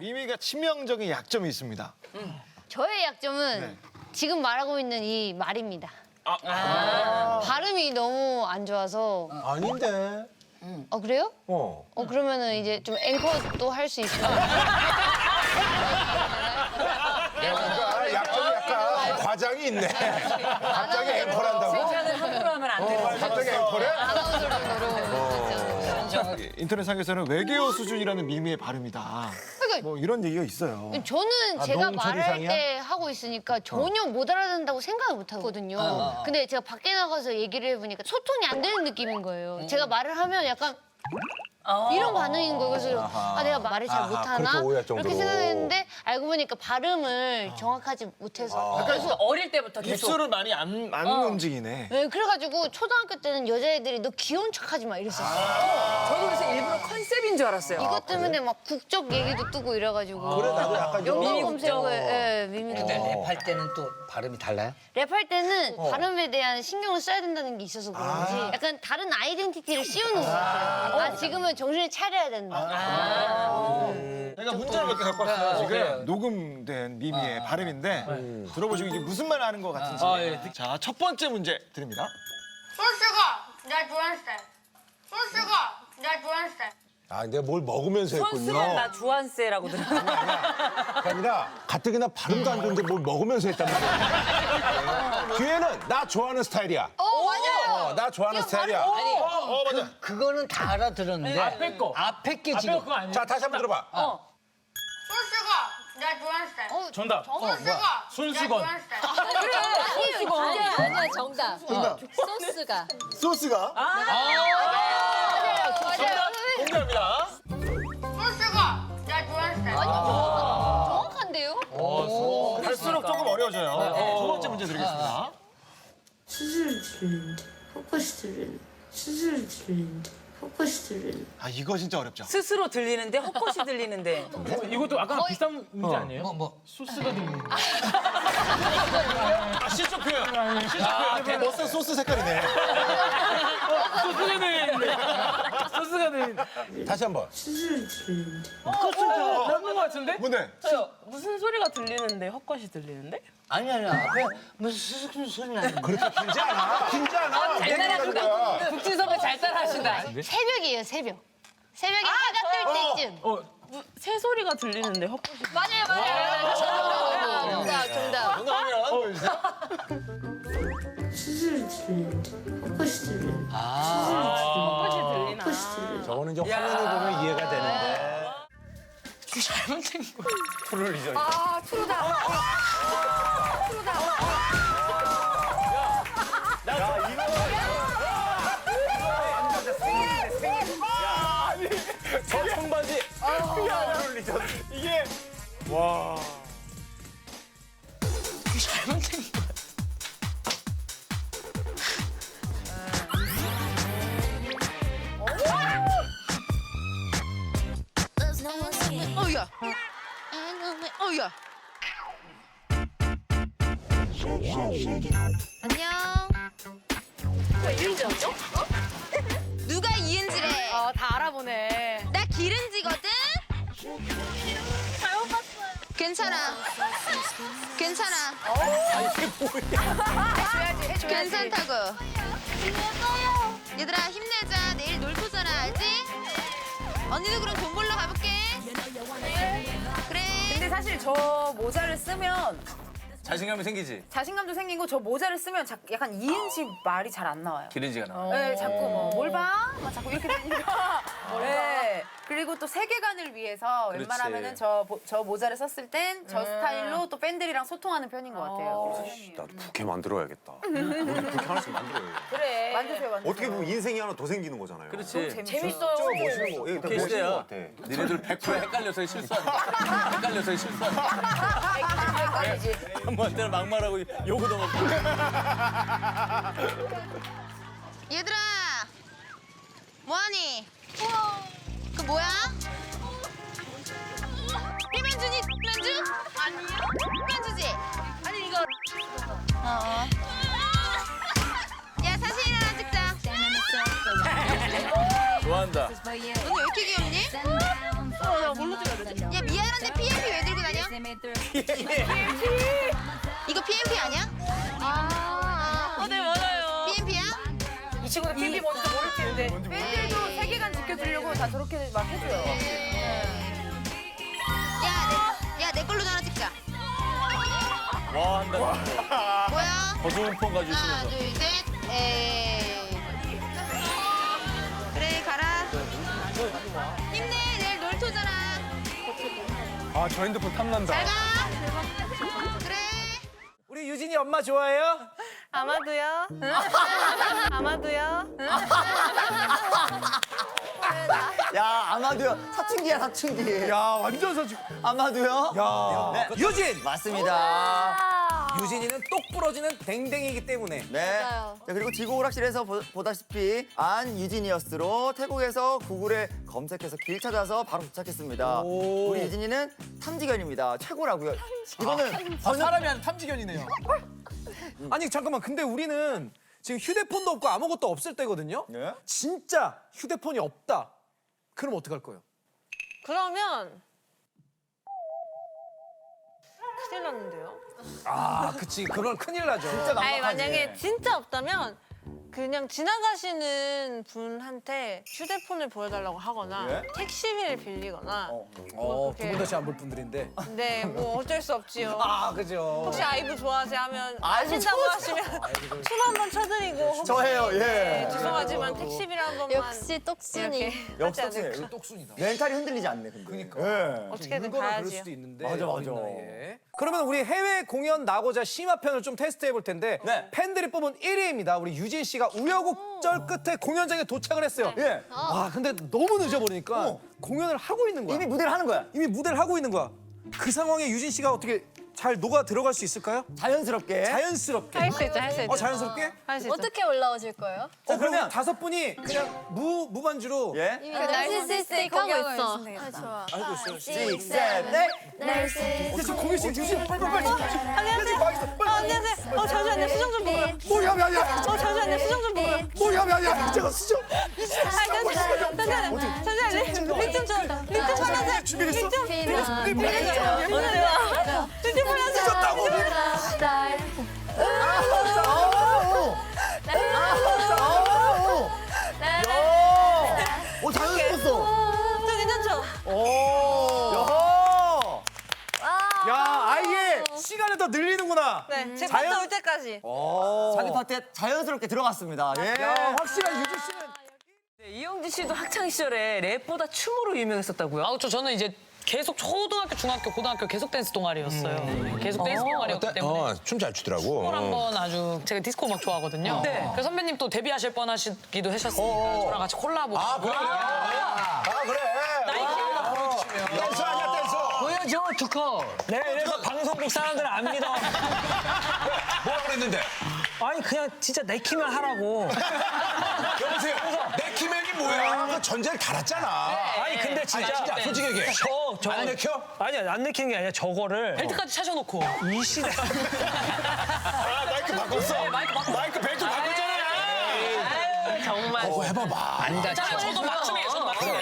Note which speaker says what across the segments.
Speaker 1: 미미가 치명적인 약점이 있습니다.
Speaker 2: 저의 약점은
Speaker 1: 네.
Speaker 2: 지금 말하고 있는 이 말입니다. 발음이 너무 안 좋아서.
Speaker 3: 아닌데.
Speaker 2: 그래요? 그러면은 이제 좀 앵커도 할 수 있어요.
Speaker 3: 뭔가 약점이 약간 과장이 있네. 갑자기 앵콜한다고?
Speaker 4: 함부로 하면 안 되는 거야.
Speaker 3: 갑자기 앵콜해?
Speaker 2: 아나운서 정도로.
Speaker 1: 인터넷상에서는 외계어 수준이라는 미미의 발음이다.
Speaker 2: 그러니까
Speaker 1: 뭐 이런 얘기가 있어요.
Speaker 2: 저는 제가
Speaker 3: 농철
Speaker 2: 말할
Speaker 3: 이상이야?
Speaker 2: 때 하고 있으니까 전혀 못 알아듣는다고 생각을 못 하거든요. 근데 제가 밖에 나가서 얘기를 해보니까 소통이 안 되는 느낌인 거예요. 제가 말을 하면 약간 이런 반응인 거예요. 그래서 내가 말을 잘 못하나?
Speaker 3: 그렇게 오해할
Speaker 2: 이렇게
Speaker 3: 정도로.
Speaker 2: 생각했는데 알고 보니까 발음을 정확하지 못해서.
Speaker 4: 그래서 어릴 때부터 계속
Speaker 1: 입술을 많이 안 움직이네.
Speaker 2: 네, 그래가지고 초등학교 때는 여자애들이 너 귀여운 척하지 마 이랬었어요.
Speaker 4: 저도 그래서 일부러 컨셉인 줄 알았어요.
Speaker 2: 이것 때문에 막 국적 얘기도 뜨고 이래가지고.
Speaker 3: 그래, 나도 약간 좀.
Speaker 2: 영어
Speaker 4: 미미
Speaker 2: 검색어에 미미도
Speaker 5: 근데
Speaker 2: 뜨고.
Speaker 5: 랩할 때는 또 발음이 달라요?
Speaker 2: 랩할 때는 발음에 대한 신경을 써야 된다는 게 있어서 그런지 약간 다른 아이덴티티를 씌우는 것 같아요. 지금은 정신을 차려야 된다.
Speaker 1: 제가 문자를 몇 개 갖고 왔어요. 지금 녹음된 미미의 발음인데 들어보시고 이게 무슨 말 하는 것 같은지. 자, 첫 번째 문제 드립니다.
Speaker 6: 소스가 나 좋아하는 스타일. 소스가 나 좋아하는 스타일.
Speaker 3: 아, 근데 뭘 먹으면서 했군요.
Speaker 4: 선수는 나 주한세라고 들었어요.
Speaker 3: 그게 아니라 가뜩이나 발음도 안 좋은데 뭘 먹으면서 했단 말이야. 뒤에는 나 좋아하는 스타일이야.
Speaker 2: 맞아요.
Speaker 3: 나 좋아하는 스타일이야.
Speaker 1: 맞아.
Speaker 5: 그거는 다 알아들었는데
Speaker 7: 앞에 거.
Speaker 5: 앞에 게
Speaker 7: 앞에
Speaker 5: 지금
Speaker 7: 그거 아니에요?
Speaker 3: 자, 다시 한번 들어봐.
Speaker 6: 소스가 나 좋아하는 스타일.
Speaker 7: 정답.
Speaker 6: 소스가 나
Speaker 7: 손수건.
Speaker 6: 좋아하는 스타일.
Speaker 8: 아니야 정답. 소스가.
Speaker 1: 소스가? 공개합니다.
Speaker 6: 소스가 나 좋아하는 스타일.
Speaker 2: 정확한데요?
Speaker 1: 갈수록 조금 어려워져요. 두 번째 문제 드리겠습니다.
Speaker 9: 수술을 들리는데 헛것이 들리는 수술을 들리는데 헛것이 들리는
Speaker 1: 아, 이거 진짜 어렵죠.
Speaker 4: 스스로 들리는데 헛것이 들리는데.
Speaker 7: 이것도 아까 비슷한 문제 아니에요?
Speaker 5: 뭐
Speaker 7: 소스가 들리는.
Speaker 1: 시적 표현. 시적 표현. 멋진 소스 색깔이네.
Speaker 7: 소스가 들리는데. 소스가 들리는.
Speaker 3: 다시 한번.
Speaker 9: 수술을 들리는데
Speaker 7: 맞는 것 같은데?
Speaker 1: 뭔데?
Speaker 10: 무슨 소리가 들리는데 헛것이 들리는데?
Speaker 5: 아니야 앞에 무슨 수술 소리 나는
Speaker 3: 그렇게 길지 않아. 길지 않아.
Speaker 4: 잘 따라하신다. 국진 선배 잘 따라하신다.
Speaker 2: 새벽이에요, 새벽. 새벽에 해가 뜰 때쯤.
Speaker 10: 새 소리가 들리는데 헛것이
Speaker 2: 맞아요. 정답.
Speaker 1: 정답이면
Speaker 9: 수술을 들리는데 헛것이 들리는
Speaker 10: 헛것이 들리나?
Speaker 9: 헛것이 들리는
Speaker 3: 저거는 이제 화면을 보면 이해가 되는데.
Speaker 10: 잘못된 거.
Speaker 1: 저 청바지. 야, 이게 와.
Speaker 10: 잘못된 거.
Speaker 8: 어우야. 어우야. 안녕. 누가 이은지래?
Speaker 10: 다 알아보네.
Speaker 8: 나 기른지거든. 잘못 봤어요. 괜찮아. 괜찮아. 해줘야지. 괜찮다고. 얘들아 힘내자. 내일 놀토잖아, 알지? 언니도 그럼 돈 벌러 가볼게. 그래.
Speaker 4: 근데 사실 저 모자를 쓰면
Speaker 11: 자신감이 생기지?
Speaker 4: 자신감도 생기고 저 모자를 쓰면 약간 이은지 말이 잘 안 나와요.
Speaker 11: 기른지가 나와.
Speaker 4: 네, 자꾸 뭘 봐? 막 자꾸 이렇게 되니까. 네. 그리고 또 세계관을 위해서
Speaker 11: 그렇지.
Speaker 4: 웬만하면은 저 모자를 썼을 땐 저 스타일로 또 팬들이랑 소통하는 편인 것 같아요.
Speaker 3: 나도 부캐 만들어야겠다.
Speaker 11: 그렇게 하나씩 만들어요.
Speaker 4: 그래. 만드세요, 만드세요.
Speaker 3: 어떻게 보면 인생이 하나 더 생기는 거잖아요.
Speaker 11: 그렇지.
Speaker 4: 재밌어요.
Speaker 3: 멋있는 거.
Speaker 11: 그렇게
Speaker 3: 멋있는 거
Speaker 11: 시대야.
Speaker 3: 같아.
Speaker 11: 니네들 100% 헷갈려서 실수한다. 헷갈려서 실수한다.
Speaker 4: 헷갈리지.
Speaker 11: 한번한테는 막말하고 욕을 얻어먹고.
Speaker 8: 얘들아. 뭐하니? 그 뭐야? 피면주니? 피면주? 아니요. 피면주지? 아니 이거. 야 사진이나 하나 찍자.
Speaker 11: 좋아한다.
Speaker 8: 언니 왜 이렇게 귀엽니? 야 미안한데 이거 PMP 아니야?
Speaker 10: 네, 맞아요.
Speaker 8: PMP야?
Speaker 4: 이 친구는 PB 뭔지 모를 텐데. 팬들도 세계관 지켜주려고 다 저렇게 막 해줘요.
Speaker 8: 야, 내 걸로 하나 찍자.
Speaker 11: 와 한다.
Speaker 8: 뭐야?
Speaker 11: 거두운 폰 가지고
Speaker 8: 하나,
Speaker 11: 있으면서.
Speaker 8: 둘, 셋. 에이. 그래, 가라. 힘내, 내일 놀토잖아.
Speaker 1: 아, 저 핸드폰 탐난다.
Speaker 8: 잘 가. 그래.
Speaker 7: 우리 유진이 엄마 좋아해요?
Speaker 10: 아마도요. 아마도요.
Speaker 12: 야, 아마도요. 사춘기야, 사춘기.
Speaker 1: 야, 완전 사춘기.
Speaker 12: 아마도요?
Speaker 1: 야.
Speaker 12: 네,
Speaker 11: 유진.
Speaker 12: 맞습니다.
Speaker 11: 유진이는 똑 부러지는 댕댕이기 때문에.
Speaker 12: 네. 자, 그리고 지구 오락실에서 보다시피 안유지니어스로 태국에서 구글에 검색해서 길 찾아서 바로 도착했습니다. 우리 유진이는 탐지견입니다. 최고라고요. 이거는
Speaker 1: 사람이 아니라 탐지견이네요.
Speaker 13: 아니 잠깐만 근데 우리는 지금 휴대폰도 없고 아무것도 없을 때거든요.
Speaker 12: 네?
Speaker 13: 진짜 휴대폰이 없다. 그럼 어떡할 거예요?
Speaker 10: 그러면 큰일 났는데요.
Speaker 13: 아, 그치. 그건 큰일 나죠.
Speaker 12: 진짜
Speaker 10: 아니
Speaker 12: 막막하지.
Speaker 10: 만약에 진짜 없다면 그냥 지나가시는 분한테 휴대폰을 보여달라고 하거나
Speaker 12: 예?
Speaker 10: 택시비를 빌리거나
Speaker 13: 두 분 다시 안 볼 분들인데.
Speaker 10: 네, 뭐 어쩔 수 없지요.
Speaker 13: 아, 그죠.
Speaker 10: 혹시 아이브 좋아하세요 하면
Speaker 12: 아이브
Speaker 10: 아신다고
Speaker 12: 좋아.
Speaker 10: 하시면 춤 한 번 쳐드리고 혹시
Speaker 12: 저예요, 예.
Speaker 10: 네, 죄송하지만 택시비를 한 번만
Speaker 8: 역시 똑순이.
Speaker 12: 역시
Speaker 10: 하지 않을까.
Speaker 12: 똑순이.
Speaker 13: 똑순이다.
Speaker 12: 멘탈이 흔들리지 않네, 근데.
Speaker 13: 그러니까.
Speaker 12: 예.
Speaker 10: 어떻게든
Speaker 13: 울거나 그럴
Speaker 10: 가야지요.
Speaker 13: 수도 있는데.
Speaker 12: 맞아, 맞아.
Speaker 13: 어린 나이에. 그러면 우리 해외 공연 나고자 심화편을 좀 테스트해 볼 텐데
Speaker 12: 네.
Speaker 13: 팬들이 뽑은 1위입니다. 우리 유진 씨가 우여곡절 끝에 공연장에 도착을 했어요.
Speaker 12: 예.
Speaker 13: 아, 근데 너무 늦어버리니까 공연을 하고 있는 거야.
Speaker 12: 이미 무대를 하는 거야.
Speaker 13: 이미 무대를 하고 있는 거야. 그 상황에 유진 씨가 어떻게 잘 녹아 들어갈 수 있을까요?
Speaker 12: 자연스럽게.
Speaker 13: 자연스럽게.
Speaker 10: 할 수 있죠, 할 수 있죠.
Speaker 13: 자연스럽게?
Speaker 10: 할 수 있죠.
Speaker 8: 어떻게 올라오실 거예요?
Speaker 13: 그러면
Speaker 12: 그러면-
Speaker 13: 다섯 분이 그냥 무반주로
Speaker 12: 예.
Speaker 8: 날씨스틱 하고 있어.
Speaker 13: 알고 있어요.
Speaker 12: 6, 7, 8.
Speaker 13: 지금 공연 씨 유진 빨리
Speaker 10: 안녕하세요. 안녕하세요. 잠시만요. 수정 좀 보고요.
Speaker 13: 뭐야.
Speaker 10: 잠시만요. 수정 좀 보고요.
Speaker 13: 뭐야. 제가 수정.
Speaker 10: 잠시만요. 립좀 줘. 립좀 발라주세요.
Speaker 13: 준비됐어?
Speaker 10: 립좀 발라주세요.
Speaker 12: 오, 자연스러웠어.
Speaker 10: 저 괜찮죠?
Speaker 13: 야, 아예 시간을 더 늘리는구나.
Speaker 10: 네. 제
Speaker 13: 자연-
Speaker 10: 파트 올 때까지.
Speaker 12: 자기 파트에 자연스럽게 들어갔습니다. 예.
Speaker 13: 야, 확실한 유진 씨는
Speaker 7: 이영지 씨도 학창 시절에 랩보다 춤으로 유명했었다고요?
Speaker 14: 아, 저는 이제 계속 초등학교, 중학교, 고등학교 계속 댄스 동아리였어요. 계속 댄스 동아리였기 때문에
Speaker 3: 춤 잘 추더라고.
Speaker 14: 춤을 한번 아주 제가 디스코 음악 좋아하거든요.
Speaker 7: 네.
Speaker 14: 그래서 선배님 또 데뷔하실 뻔하시기도 하셨으니까 저랑 같이 콜라보.
Speaker 3: 그래. 댄스 아니야, 댄스.
Speaker 5: 보여줘, 투커.
Speaker 7: 네, 그래서 방송국 사람들은 안 믿어.
Speaker 3: 뭐라 그랬는데?
Speaker 7: 아니 그냥 진짜 내키면 하라고.
Speaker 3: 여보세요. 내키맨이 뭐야? 그 전제를 달았잖아.
Speaker 7: 아니 근데 진짜,
Speaker 3: 진짜 솔직히 얘기해.
Speaker 7: 저
Speaker 3: 안 내켜?
Speaker 7: 아니야 안 내키는 게 아니라 저거를
Speaker 14: 벨트까지 차셔놓고.
Speaker 7: 이 시대
Speaker 1: 아, 마이크 바꿨어. 마이크 벨트 바꿨잖아요.
Speaker 14: 정말.
Speaker 3: 그거 해봐봐. 안 다.
Speaker 14: 자, 저도 막춤이에요. 저도 막춤이에요.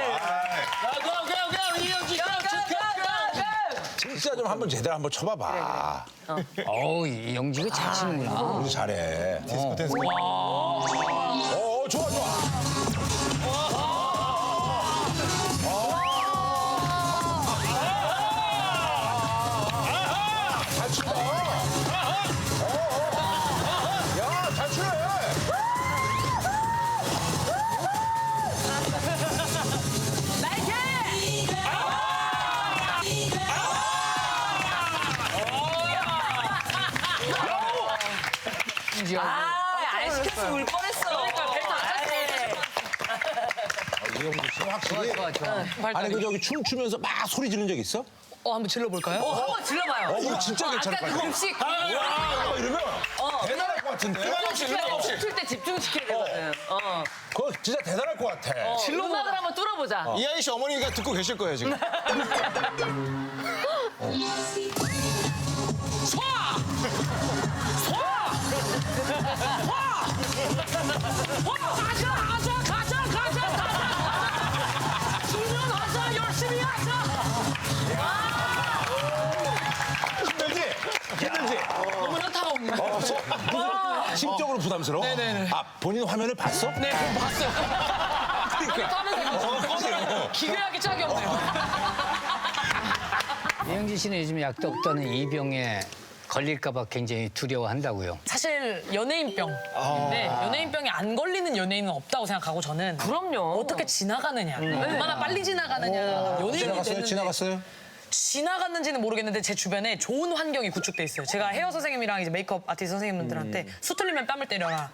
Speaker 3: 진짜 좀 한번 제대로 한번 쳐봐봐.
Speaker 5: 어우, 이 영지가 잘 치는구나.
Speaker 3: 우리 잘해. 디스코 댄스. 좋아. 잘 춘다. 야, 잘 추네.
Speaker 7: 안 시켰으면 울 뻔했어.
Speaker 14: 그러니까 벨트 안 찼어요.
Speaker 3: 이영주 씨 확실히.
Speaker 5: 좋아.
Speaker 3: 아니 그 저기 춤추면서 막 소리 지른 적 있어?
Speaker 14: 한번 질러볼까요?
Speaker 7: 한번 질러봐요.
Speaker 3: 그거 진짜 괜찮을 것 같아.
Speaker 7: 음식
Speaker 3: 와, 이러면 대단할 것 같은데?
Speaker 7: 춤출 때 집중시켜야 되거든.
Speaker 3: 그거 진짜 대단할 것 같아.
Speaker 7: 음악을 한번 뚫어보자.
Speaker 1: 이하이 씨 어머니가 듣고 계실 거예요, 지금.
Speaker 14: 가자! 열심히 하자!
Speaker 3: 심적으로 부담스러워?
Speaker 14: 네네네.
Speaker 3: 아, 본인 화면을 봤어?
Speaker 14: 네, 그럼 봤어요. 그러니까 하면서 기괴하기 짝이 없네요.
Speaker 5: 이영지 씨는 요즘 약도 없다는 이 병에 걸릴까봐 굉장히 두려워한다고요.
Speaker 14: 사실 연예인병인데 연예인병이 안 걸리는 연예인은 없다고 생각하고 저는
Speaker 7: 그럼요.
Speaker 14: 어떻게 지나가느냐, 얼마나 빨리 지나가느냐. 연예인이
Speaker 3: 지나갔어요?
Speaker 14: 됐는데
Speaker 3: 지나갔어요?
Speaker 14: 지나갔는지는 모르겠는데 제 주변에 좋은 환경이 구축돼 있어요. 제가 헤어 선생님이랑 이제 메이크업 아티스트 선생님들한테 수틀리면 뺨을 때려라.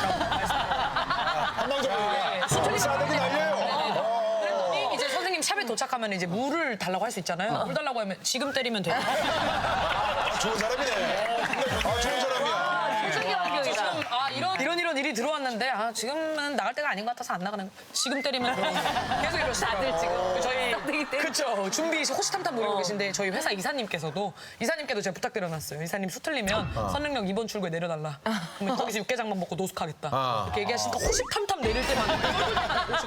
Speaker 3: 한방적으로
Speaker 14: 수틀리면
Speaker 3: 싸대기 날려요.
Speaker 14: 그랬더니 이제 선생님 샵에 도착하면 이제 물을 달라고 할 수 있잖아요. 물 달라고 하면 지금 때리면 돼요.
Speaker 3: 좋은 사람이네. 아, 좋은 사람이야.
Speaker 14: 지금 이런 일이 들어왔는데 지금은 나갈 때가 아닌 것 같아서 안 나가는 거. 지금 때리면 돼요. 계속 이러시더라고요.
Speaker 7: 다들 지금
Speaker 14: 저희 그렇죠. 준비 호시탐탐 모이고 계신데 저희 회사 이사님께도 제가 부탁드려놨어요. 이사님 수틀리면 선릉역 2번 출구에 내려달라. 그러면 거기서 육개장만 먹고 노숙하겠다. 이렇게 얘기하시니까 호시탐탐 내릴 때만